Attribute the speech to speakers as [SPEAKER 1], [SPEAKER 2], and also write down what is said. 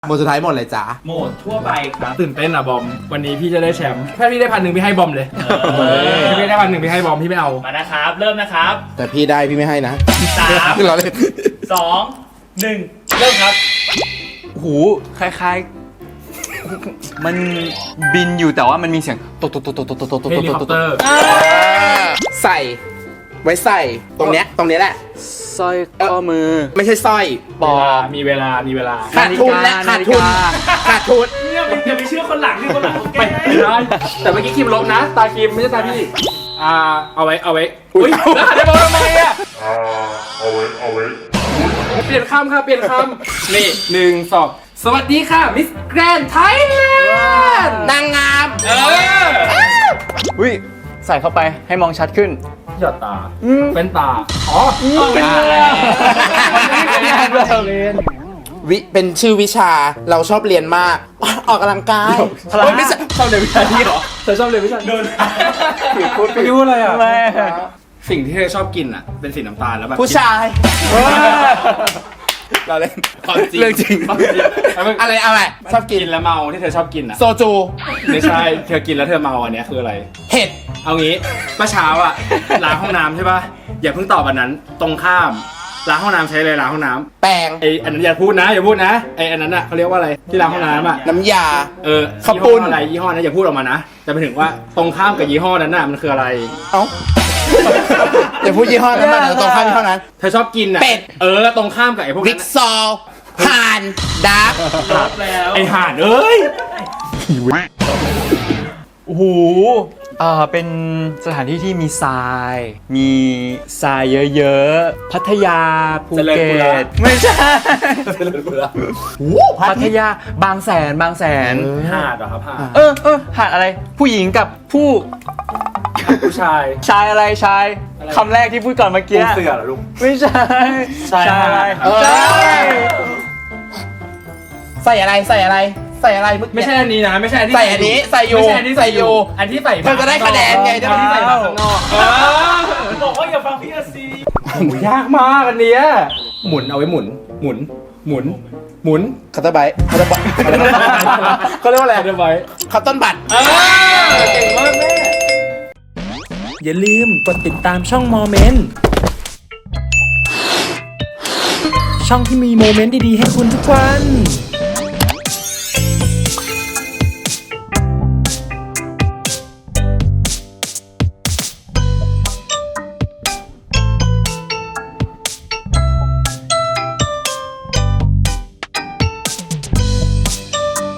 [SPEAKER 1] หมดสุดท้ายหมดเลยจ้า
[SPEAKER 2] โหมดทั่วไปครับ
[SPEAKER 3] ตื่นเต้นอ่ะบอมวันนี้พี่จะได้แชมป์ถ้าพี่ได้1,000พี่ให้บอมเลยถ้าพี่ได้1,000พี่ให้บอมพี่ไม่เอา
[SPEAKER 2] มานะครับ เริ่มนะครับ
[SPEAKER 1] แต่พี่ได้พี่ไม่ให้นะ
[SPEAKER 2] 3
[SPEAKER 1] เราเล่น
[SPEAKER 2] 2 1 เริ่มครับ
[SPEAKER 4] หูคล้ายๆ มันบินอยู่แต่ว่ามันมีเสียงตกตกตกตกตกตกตกตก
[SPEAKER 3] เฮลิคอปเตอร์
[SPEAKER 1] ใส่ไว้ใส่ตรงเนี้ยแหละ
[SPEAKER 4] สร้อยข้อมือ
[SPEAKER 1] ไม่ใช่สร้อย
[SPEAKER 4] ปอก
[SPEAKER 3] มีเวลา
[SPEAKER 1] ขาดทุนและขาดทุนขาดทุน
[SPEAKER 2] เนี่ยมึงจะไปเชื่อคนหลังที่คนหลังแก
[SPEAKER 3] ไม่ได้แต่เมื่อกี้คิมลบนะ ตาคิมไม่ใช่ตาพี่เอาไว้อุ้ยแล้วหันไปมองทำไมอ่ะเอาไว้เปลี่ยนคำค่ะเปลี่ยนคำนี่1 2สวัสดีค่ะมิสแกรนด์ไทยแลนด์
[SPEAKER 1] นางงาม
[SPEAKER 4] อุ้ยใส่เข้าไปให้มองชัดขึ้น
[SPEAKER 3] หยอดตาเป็นตาอ๋อเป็นตา
[SPEAKER 1] วิเป็นชื่อวิชาเราชอบเรียนมาก ออกกำลังกาย
[SPEAKER 3] เฮ้ยไม่ใช่ชอบเรียนวิชาที่เหรอเธอชอบเรียนวิชาโดนพูดไปรู้อะไรอ่ะสิ่งที่เธอชอบกินอ่ะเป็นสีน้ำตาลแล้วแบบ
[SPEAKER 1] ผู้ชาย เราเล่น
[SPEAKER 3] ความจริง
[SPEAKER 1] เรื่องจริง อะไรชอบกิ
[SPEAKER 3] กิ
[SPEAKER 1] น
[SPEAKER 3] นแล้วเมาที่เธอชอบกินอ่ะ
[SPEAKER 1] โซจู
[SPEAKER 3] ไม่ใช่เธอกินแล้วเธอเมาอันเนี้ยคืออะไร
[SPEAKER 1] เห็ด
[SPEAKER 3] เอางี้เมื่อเช้าอ่ะล้างห้องน้ำใช่ป่ะอย่าเพิ่งตอบอันนั้นตรงข้ามล้างห้องน้ำใช้เลยล้างห้องน้ำ
[SPEAKER 1] แปรง
[SPEAKER 3] ไออันนั้นอย่าพูดนะไออันนั้นอ่ะเขาเรียกว่าอะไรที่ล้างห้องน้ำอ่ะ
[SPEAKER 1] น้ำยา
[SPEAKER 3] ข้าวปุ้นอะไรยี่ห้อนั้นอย่าพูดออกมานะแต่ไปถึงว่าตรงข้ามกับยี่ห้อนั้นน่ะมันคืออะไร
[SPEAKER 1] เอ้าอย่าพูดยี่ห้อนั้นมาเดี๋ยวตรงข้ามยี่ห้อนั้น
[SPEAKER 3] เธอชอบกินอ่ะ
[SPEAKER 1] เป็ด
[SPEAKER 3] ตรงข้ามกับไอพวก
[SPEAKER 1] ริ
[SPEAKER 3] นั้
[SPEAKER 1] ก
[SPEAKER 3] น
[SPEAKER 1] ซอลห่านดาร์ก
[SPEAKER 2] ลบแล้ว
[SPEAKER 3] ไอห่านเอ้ย
[SPEAKER 4] โอ้โหเป็นสถานที่ที่มีทราย มีทรายเยอะๆ พัทยาภูเก็ตไม่ใช่ พัทยาบางแสน
[SPEAKER 3] หาดเหรอครับหาด
[SPEAKER 4] หาดอะไร ผู้หญิงกับผู้
[SPEAKER 3] ผู้ชาย
[SPEAKER 4] ชายอะไรชายคำแรกที่พูดก่อนเมื่อกี้
[SPEAKER 3] ปูเสือเหรอลูก
[SPEAKER 4] ไม่ใช่
[SPEAKER 3] ชายหาด
[SPEAKER 4] อะไร
[SPEAKER 1] ใช่
[SPEAKER 4] ใช่
[SPEAKER 1] ใส่อะไรเมื่อกี้
[SPEAKER 3] ไม่ใช่อันนี้นะไม่ใช่อันที่
[SPEAKER 1] ใส่อันนี้ใส่อยู่
[SPEAKER 3] ไม่ใช่อันที่ใส่อยู่ อันที่ใส่
[SPEAKER 1] เธอจะได้คะแนนไงได้
[SPEAKER 3] อันที่ใส่มาข้างนอก
[SPEAKER 2] บอกว่าอย่าฟังพี่อาซี
[SPEAKER 3] โอ้โหยากมากอันเนี้ยหมุนเอาไว้หมุน
[SPEAKER 1] คัตเตอร์ไบต์เขาเรียกว่าอะไร
[SPEAKER 3] เรียบไว้
[SPEAKER 1] คัตต้นบัตร
[SPEAKER 3] เก่งมากแม่
[SPEAKER 5] อย่าลืมกดติดตามช่องโมเมนต์ช่องที่มีโมเมนต์ดีๆให้คุณทุกวัน